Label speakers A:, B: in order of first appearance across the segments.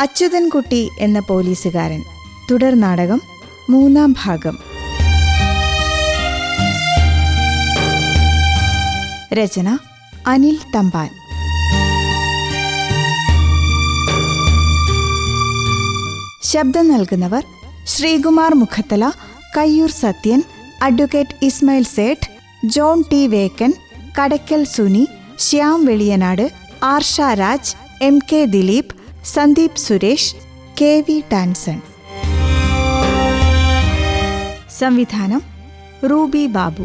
A: അച്യുതൻകുട്ടി എന്ന പോലീസുകാരൻ തുടർ നാടകം 3-ാം ഭാഗം. രചന അനിൽ തമ്പാൻ. ശബ്ദം നൽകുന്നവർ: Sreekumar Mukhathala, Kayyur Sathyan, advocate Ismail Sait, John T Vekkan, Kadakkal Suni, Shyam Veliyanad, Arsha Raj, M K Dileep, Sandeep Suresh, K V Tanson. സംവിധാനം റൂബി ബാബു.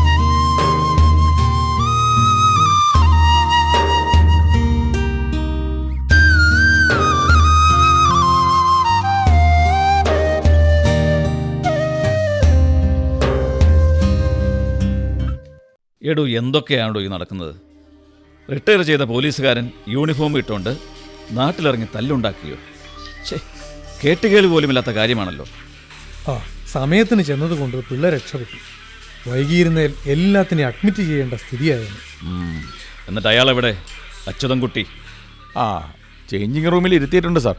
B: എടോ, എന്തൊക്കെയാണോ ഈ നടക്കുന്നത്? റിട്ടയർ ചെയ്ത പോലീസുകാരൻ യൂണിഫോം ഇട്ടുകൊണ്ട് നാട്ടിലിറങ്ങി തല്ലുണ്ടാക്കിയോ? കേട്ടുകേൾവി പോലുമില്ലാത്ത കാര്യമാണല്ലോ.
C: സമയത്തിന് ചെന്നതുകൊണ്ട് പിള്ളേർ രക്ഷപ്പെട്ടു. വൈകിയിരുന്നേൽ എല്ലാത്തിനെയും അഡ്മിറ്റ് ചെയ്യേണ്ട സ്ഥിതിയായിരുന്നു.
B: എന്നിട്ട് അയാളെവിടെ? അച്യുതൻകുട്ടി
D: ചേഞ്ചിങ് റൂമിൽ ഇരുത്തിയിട്ടുണ്ട് സാർ.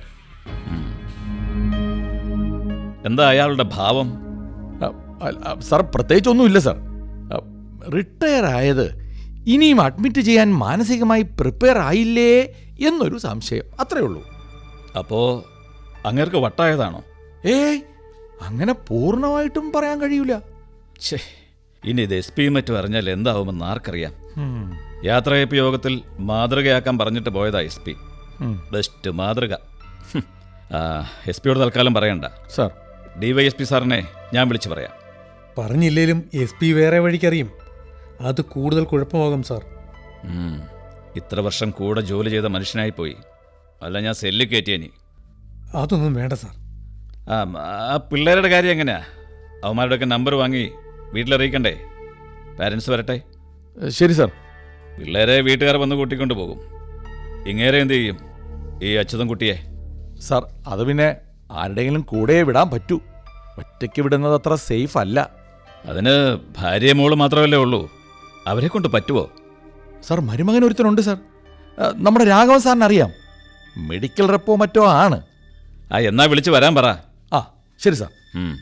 B: എന്താ അയാളുടെ ഭാവം?
D: സാർ, പ്രത്യേകിച്ചൊന്നുമില്ല സാർ. റിട്ടയർ ആയത് ഇനിയും അഡ്മിറ്റ് ചെയ്യാൻ മാനസികമായി പ്രിപ്പയർ ആയില്ലേ എന്നൊരു സംശയം, അത്രേ ഉള്ളൂ.
B: അപ്പോ അങ്ങേർക്ക് വട്ടായതാണോ?
D: അങ്ങനെ പൂർണ്ണമായിട്ടും പറയാൻ കഴിയൂല.
B: ഇനി ഇത് എസ് പിയും മറ്റും അറിഞ്ഞാൽ എന്താവുമെന്ന് ആർക്കറിയാം. യാത്രയപ്പ് യോഗത്തിൽ മാതൃകയാക്കാൻ പറഞ്ഞിട്ട് പോയതാ എസ് പി. ബെസ്റ്റ് മാതൃക. എസ് പിയോട് തൽക്കാലം പറയണ്ട
D: സാർ.
B: DYSP സാറിനെ ഞാൻ വിളിച്ചു പറയാം.
C: പറഞ്ഞില്ലേലും SP വേറെ വഴിക്കറിയും. അത് കൂടുതൽ കുഴപ്പമാകും സാർ.
B: ഇത്ര വർഷം കൂടെ ജോലി ചെയ്ത മനുഷ്യനായിപ്പോയി. അല്ല, ഞാൻ സെല്ലിൽ കയറ്റിയനി.
C: അതൊന്നും വേണ്ട സാർ.
B: ആ പിള്ളേരുടെ കാര്യം എങ്ങനെയാ? അവന്മാരുടെയൊക്കെ നമ്പർ വാങ്ങി വീട്ടിലറിയിക്കണ്ടേ? പാരൻസ് വരട്ടെ.
D: ശരി സാർ.
B: പിള്ളേരെ വീട്ടുകാർ വന്ന് കൂട്ടിക്കൊണ്ട് പോകും. ഇങ്ങേരെ എന്ത് ചെയ്യും ഈ അച്യുതൻകുട്ടിയെ?
D: സാർ, അത് പിന്നെ ആരുടെയെങ്കിലും കൂടെ വിടാൻ പറ്റൂ. ഒറ്റയ്ക്ക് വിടുന്നത് അത്ര സേഫ് അല്ല.
B: അതിന് ഭാര്യയും മോള് മാത്രമല്ലേ ഉള്ളൂ. അവരെ കൊണ്ട് പറ്റുമോ?
D: സാർ, മരുമകൻ ഒരുത്തനുണ്ട് സാർ. നമ്മുടെ രാഘവൻ സാറിന് അറിയാം. മെഡിക്കൽ റെപ്പോ മറ്റോ ആണ്.
B: എന്നാ വിളിച്ച് വരാൻ പറ.
D: ശരി സാർ.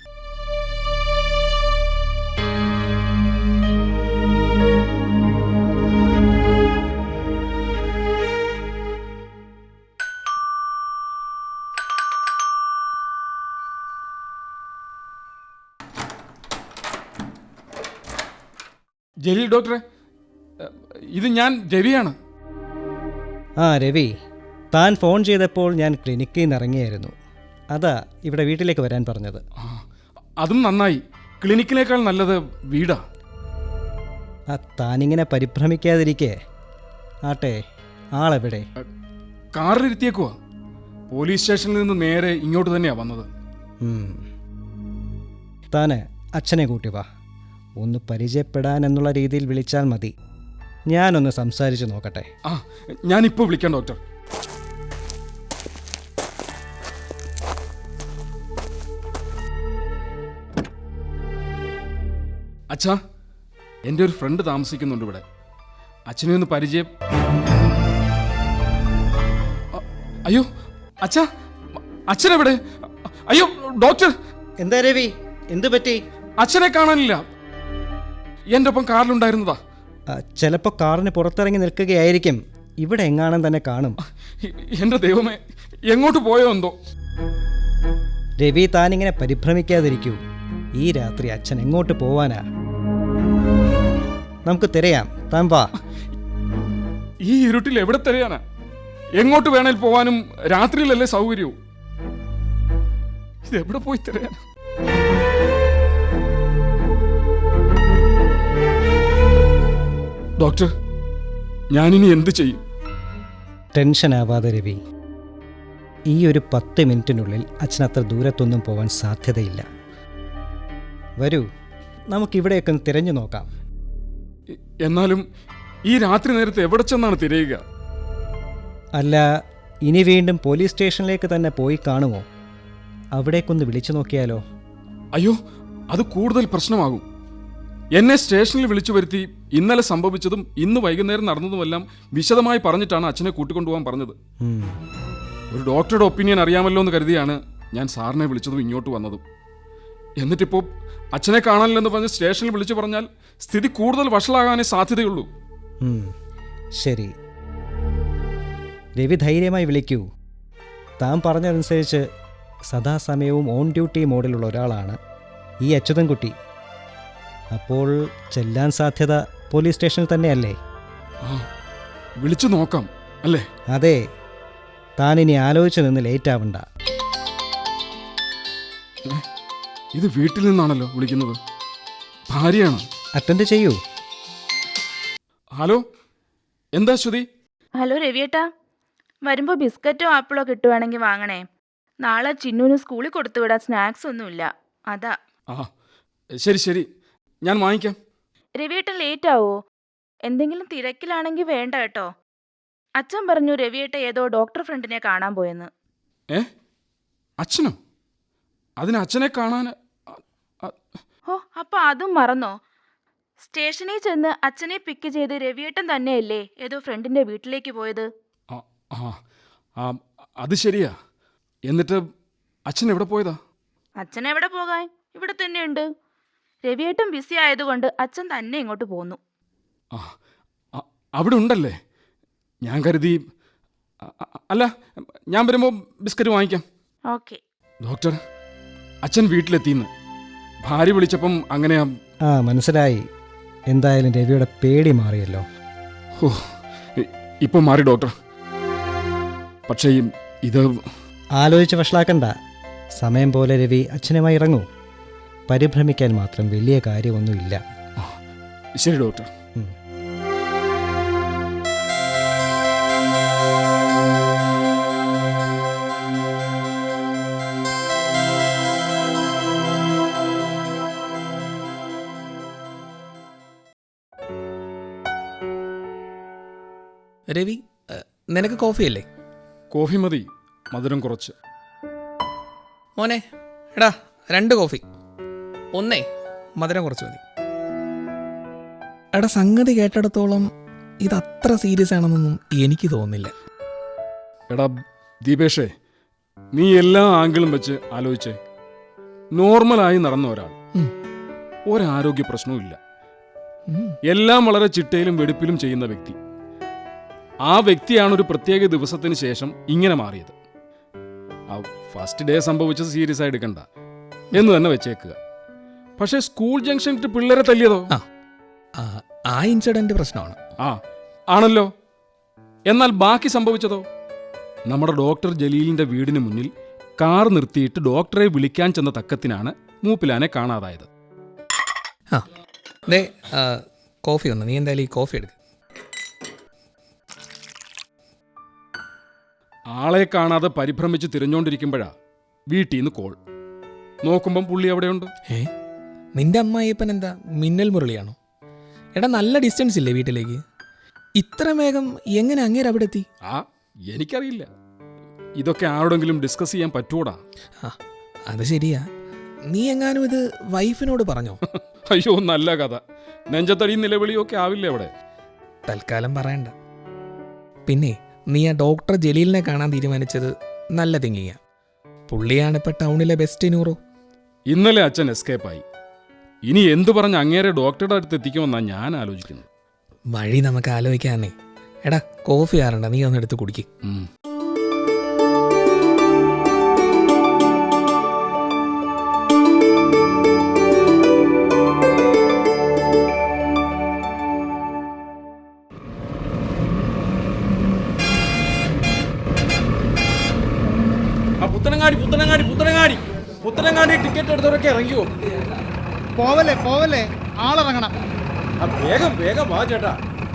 E: ജലീൽ ഡോക്ടറെ, ഇത് ഞാൻ രവിയാണ്.
F: രവി, താൻ ഫോൺ ചെയ്തപ്പോൾ ഞാൻ ക്ലിനിക്കിൽ നിന്ന് ഇറങ്ങിയായിരുന്നു. അതാ ഇവിടെ വീട്ടിലേക്ക് വരാൻ പറഞ്ഞത്.
E: അതും നന്നായി. ക്ലിനിക്കിനേക്കാൾ നല്ലത് വീടാ.
F: താനിങ്ങനെ പരിഭ്രമിക്കാതിരിക്കേ. ആട്ടെ, ആളെവിടെ?
E: കാറിലിരുത്തിയേക്കുവാ. പോലീസ് സ്റ്റേഷനിൽ നിന്ന് നേരെ ഇങ്ങോട്ട് തന്നെയാ വന്നത്.
F: താന് അച്ഛനെ കൂട്ടി വാ. ഒന്ന് പരിചയപ്പെടാൻ എന്നുള്ള രീതിയിൽ വിളിച്ചാൽ മതി. ഞാനൊന്ന് സംസാരിച്ച് നോക്കട്ടെ.
E: ഞാനിപ്പോൾ വിളിക്കാം ഡോക്ടർ. അച്ഛാ, എൻ്റെ ഒരു ഫ്രണ്ട് താമസിക്കുന്നുണ്ട് ഇവിടെ. അച്ഛനെ ഒന്ന് പരിചയം. അയ്യോ അച്ഛാ, അച്ഛനെവിടെ? അയ്യോ ഡോക്ടർ.
F: എന്താ രവി, എന്തു പറ്റി?
E: അച്ഛനെ കാണാനില്ല. എൻ്റെ ഒപ്പം കാറിലുണ്ടായിരുന്നതാ.
F: ചിലപ്പോൾ കാറിന് പുറത്തിറങ്ങി നിൽക്കുകയായിരിക്കും. ഇവിടെ എങ്ങാനും തന്നെ കാണും.
E: എൻ്റെ ദൈവമേ, എങ്ങോട്ട് പോയോ എന്തോ.
F: രവി, താനിങ്ങനെ പരിഭ്രമിക്കാതിരിക്കൂ. ഈ രാത്രി അച്ഛൻ എങ്ങോട്ട് പോവാനാ? നമുക്ക് തിരയാം. താൻ വാ.
E: ഈ ഇരുട്ടിൽ എവിടെ തിരയാനാ? എങ്ങോട്ട് വേണേൽ പോവാനും രാത്രിയിലല്ലേ സൗകര്യവും. ഇതെവിടെ പോയി തിരയാനാ? ഡോക്ടർ, ഞാനിനി എന്ത് ചെയ്യും?
F: ടെൻഷൻ ആവാതെ രവി. ഈ ഒരു 10 മിനിറ്റിനുള്ളിൽ അച്ഛൻ അത്ര ദൂരത്തൊന്നും പോവാൻ സാധ്യതയില്ല. വരൂ, നമുക്കിവിടെയൊക്കെ ഒന്ന് തിരഞ്ഞു നോക്കാം.
E: എന്നാലും ഈ രാത്രി നേരത്തെ എവിടെ ചെന്നാണ് തിരയുക?
F: അല്ല, ഇനി വീണ്ടും പോലീസ് സ്റ്റേഷനിലേക്ക് തന്നെ പോയി കാണുമോ? അവിടേക്കൊന്ന് വിളിച്ചു നോക്കിയാലോ?
E: അയ്യോ, അത് കൂടുതൽ പ്രശ്നമാകും. എന്നെ സ്റ്റേഷനിൽ വിളിച്ചു വരുത്തി ഇന്നലെ സംഭവിച്ചതും ഇന്ന് വൈകുന്നേരം നടന്നതുമെല്ലാം വിശദമായി പറഞ്ഞിട്ടാണ് അച്ഛനെ കൂട്ടിക്കൊണ്ടുപോകാൻ പറഞ്ഞത്. ഒരു ഡോക്ടറുടെ ഒപ്പീനിയൻ അറിയാമല്ലോ എന്ന് കരുതിയാണ് ഞാൻ സാറിനെ വിളിച്ചതും ഇങ്ങോട്ട് വന്നതും. എന്നിട്ടിപ്പോൾ അച്ഛനെ കാണാനില്ലെന്ന് പറഞ്ഞ് സ്റ്റേഷനിൽ വിളിച്ചു പറഞ്ഞാൽ സ്ഥിതി കൂടുതൽ വഷളാകാനേ സാധ്യതയുള്ളൂ.
F: ശരി, രവി ധൈര്യമായി വിളിക്കൂ. താൻ പറഞ്ഞതനുസരിച്ച് സദാസമയവും ഓൺ ഡ്യൂട്ടി മോഡിലുള്ള ഒരാളാണ് ഈ അച്യുതൻകുട്ടി. അപ്പോൾ ചെല്ലാൻ സാധ്യത പോലീസ് സ്റ്റേഷനിൽ തന്നെയല്ലേ?
E: വിളിച്ചു നോക്കാം അല്ലേ?
F: അതെ, താനിനി ആലോചിച്ച് നിന്ന് ലേറ്റ് ആവണ്ട.
E: ഇത് വീട്ടിൽ നിന്നാണല്ലോ വിളിക്കുന്നത്. ഭാര്യയാണ്.
F: അറ്റൻഡ് ചെയ്യൂ.
E: ഹലോ, എന്താ ശ്രുതി?
G: ഹലോ രവിയേട്ടാ, വരുമ്പോൾ ബിസ്ക്കറ്റോ ആപ്പിളോ കിട്ടുവാണെങ്കിൽ വാങ്ങണേ. നാളെ ചിന്നുവിന് സ്കൂളിൽ കൊടുത്തുവിടാൻ സ്നാക്സ് ഒന്നുമില്ല, അതാ.
E: ആ ശരി ശരി, ഞാൻ വാങ്ങിക്കാം.
G: രവിയേട്ടൻ ലേറ്റ് ആവോ? എന്തെങ്കിലും തിരക്കിലാണെങ്കിൽ വേണ്ട കേട്ടോ. അച്ഛൻ പറഞ്ഞു രവിയേട്ട ഏതോ ഡോക്ടർ ഫ്രണ്ടിനെ കാണാൻ പോയെന്ന്.
E: അച്ഛനോ? അതിന് അച്ഛനെ കാണാൻ?
G: ഓ, അപ്പം അതും മറന്നോ? സ്റ്റേഷനിൽ ചെന്ന് അച്ഛനെ പിക്ക് ചെയ്ത് രവിയേട്ടൻ തന്നെയല്ലേ ഏതോ ഫ്രണ്ടിന്റെ വീട്ടിലേക്ക് പോയത്?
E: അത് ശരിയാ. എന്നിട്ട് അച്ഛൻ എവിടെ പോയതാ?
G: അച്ഛൻ എവിടെ പോകാൻ, ഇവിടെ തന്നെയുണ്ട്. രവിയേട്ടൻ ബിസി ആയതുകൊണ്ട് അച്ഛൻ തന്നെ ഇങ്ങോട്ട് പോന്നു.
E: അവിടെ ഉണ്ടല്ലേ? ഞാൻ കരുതി. അല്ല, ഞാൻ വരുമ്പോൾ ബിസ്ക്കറ്റ് വാങ്ങിക്കാം.
G: ഓക്കെ.
E: ഡോക്ടർ, അച്ഛൻ വീട്ടിലെത്തിന്ന് ഭാര്യ വിളിച്ചപ്പം അങ്ങനെയാ.
F: മനസ്സിലായി. എന്തായാലും രവിയുടെ പേടി മാറിയല്ലോ.
E: ഓ, ഇപ്പം മാറി ഡോക്ടർ. പക്ഷേ ഇത്
F: ആലോചിച്ച് വഷളാക്കണ്ട. സമയം പോലെ രവി അച്ഛനുമായി ഇറങ്ങൂ. പരിഭ്രമിക്കാൻ മാത്രം വലിയ കാര്യമൊന്നുമില്ല.
E: ശരി ഡോക്ടർ.
H: രവി, നിനക്ക് കോഫി അല്ലേ?
E: കോഫി മതി, മധുരം കുറച്ച്.
H: മോനെ, എടാ 2 കോഫി. ഒന്നേ മധുരം കുറച്ച് മതി. എടാ, സംഗതി കേട്ടിടത്തോളം ഇത് അത്ര സീരിയസ് ആണെന്നൊന്നും എനിക്ക് തോന്നുന്നില്ല.
E: എടാ ദീപേഷേ, നീ എല്ലാ ആംഗിളും വെച്ച് ആലോചിച്ചേ. നോർമലായി നടന്ന ഒരാൾ, ഒരാരോഗ്യ പ്രശ്നവും ഇല്ല, എല്ലാം വളരെ ചിട്ടയിലും വെടുപ്പിലും ചെയ്യുന്ന വ്യക്തി. ആ വ്യക്തിയാണ് ഒരു പ്രത്യേക ദിവസത്തിന് ശേഷം ഇങ്ങനെ മാറിയത്. ആ ഫസ്റ്റ് ഡേ സംഭവിച്ചത് സീരിയസ് ആയി എടുക്കണ്ട എന്ന് തന്നെ വെച്ചേക്കുക. പക്ഷേ സ്കൂൾ ജംഗ്ഷനിൽ പിള്ളേരെ തല്ലിയതോ?
H: ആ ഇൻസിഡന്റ് പ്രശ്നമാണ്.
E: ആണല്ലോ. എന്നാൽ ബാക്കി സംഭവിച്ചതോ? നമ്മുടെ ഡോക്ടർ ജലീലിന്റെ വീടിന് മുന്നിൽ കാർ നിർത്തിയിട്ട് ഡോക്ടറെ വിളിക്കാൻ ചെന്ന തക്കത്തിനാണ് മൂപ്പിലാനെ കാണാതായത്.
H: കോഫി ഒന്ന്, നീ എന്തായാലും ഈ കോഫി എടുക്കുക.
E: ആളെ കാണാതെ പരിഭ്രമിച്ച് തിരഞ്ഞുകൊണ്ടിരിക്കുമ്പോഴാ വീട്ടിൽ നിന്ന് കോൾ. നോക്കുമ്പം പുള്ളി അവിടെയുണ്ട്.
H: നിന്റെ അമ്മായിയപ്പൻ എന്താ മിന്നൽ മുരളിയാണോ? എടാ, നല്ല ഡിസ്റ്റൻസ് ഇല്ലേ വീട്ടിലേക്ക്? ഇത്ര വേഗം എങ്ങനെ അങ്ങേര് അവിടെ എത്തി?
E: എനിക്കറിയില്ല. ഇതൊക്കെ ആരോടെങ്കിലും ഡിസ്കസ് ചെയ്യാൻ പറ്റൂടാ?
H: അത് ശരിയാ. നീ എങ്ങാനും ഇത് വൈഫിനോട് പറഞ്ഞോ?
E: അയ്യോ, നല്ല കഥ. നെഞ്ചത്തടിയും നിലവിളിയും ഒക്കെ ആവില്ലേ അവിടെ?
H: തൽക്കാലം പറയണ്ട. പിന്നെ നീ ആ ഡോക്ടർ ജലീലിനെ കാണാൻ തീരുമാനിച്ചത് നല്ല തിങ്ങിയ. പുള്ളിയാണ് ഇപ്പൊ ടൗണിലെ ബെസ്റ്റ് നൂറോ.
E: ഇന്നലെ അച്ഛൻ എസ്കേപ്പായി. ഇനി എന്തു പറഞ്ഞ് അങ്ങേരെ ഡോക്ടറുടെ അടുത്ത് എത്തിക്കുമെന്നാണ് ഞാൻ ആലോചിക്കുന്നത്.
H: വഴി നമുക്ക് ആലോചിക്കാന്നേ. എടാ, കോഫി ആറണ്ട, നീ ഒന്ന് എടുത്ത് കുടിക്ക്.
I: പുത്തനങ്ങാടി ടിക്കറ്റ് എടുത്തവരൊക്കെ ഇറങ്ങിയോ?
C: പോവല്ലേ ആളിറങ്ങണം.
I: വേഗം വാ ചേട്ടാ.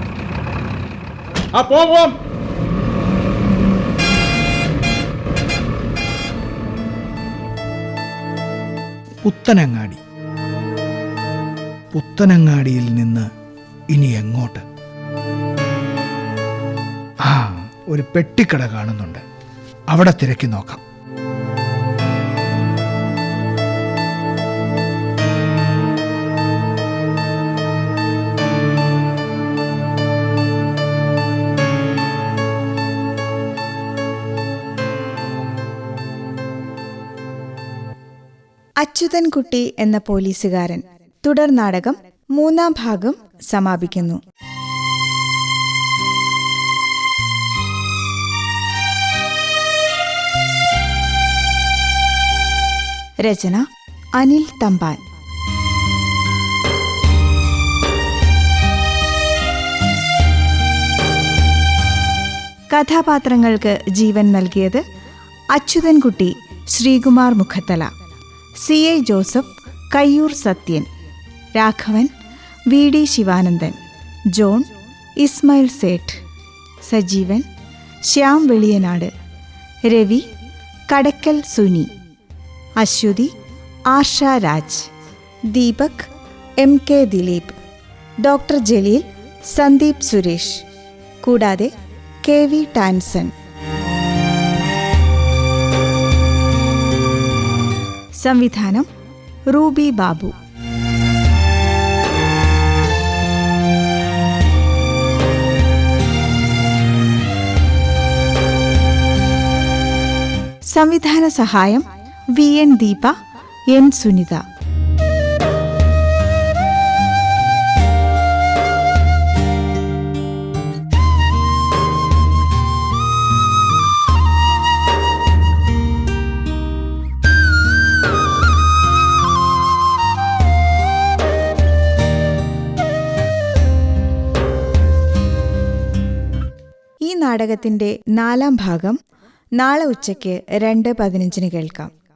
I: പോവാം.
J: പുത്തനങ്ങാടിയിൽ നിന്ന് ഇനി എങ്ങോട്ട്? ഒരു പെട്ടിക്കട കാണുന്നുണ്ട്, അവിടെ തിരക്കി നോക്കാം.
A: അച്യുതൻകുട്ടി എന്ന പോലീസുകാരൻ തുടർ നാടകം 3-ാം ഭാഗം സമാപിക്കുന്നു. രചന അനിൽ തമ്പാൻ. കഥാപാത്രങ്ങൾക്ക് ജീവൻ നൽകിയത് Achuthankutty Sreekumar Mukhathala, CA Joseph Kayyur Sathyan, Raghavan VD Sivanandan, John Ismail Sait, Sajeevan Shyam Veliyanad, Ravi Kadakkal Suni, Aswathi Arsha Raj, Deepak MK Dileep, doctor Jaleel Sandeep Suresh, കൂടാതെ KV ടാൻസൺ. സംവിധാനം റൂബി ബാബു. സംവിധാന സഹായം VN ദീപ, N സുനിത. ഈ നാടകത്തിന്റെ 4-ാം ഭാഗം നാളെ ഉച്ചയ്ക്ക് 2:15 കേൾക്കാം.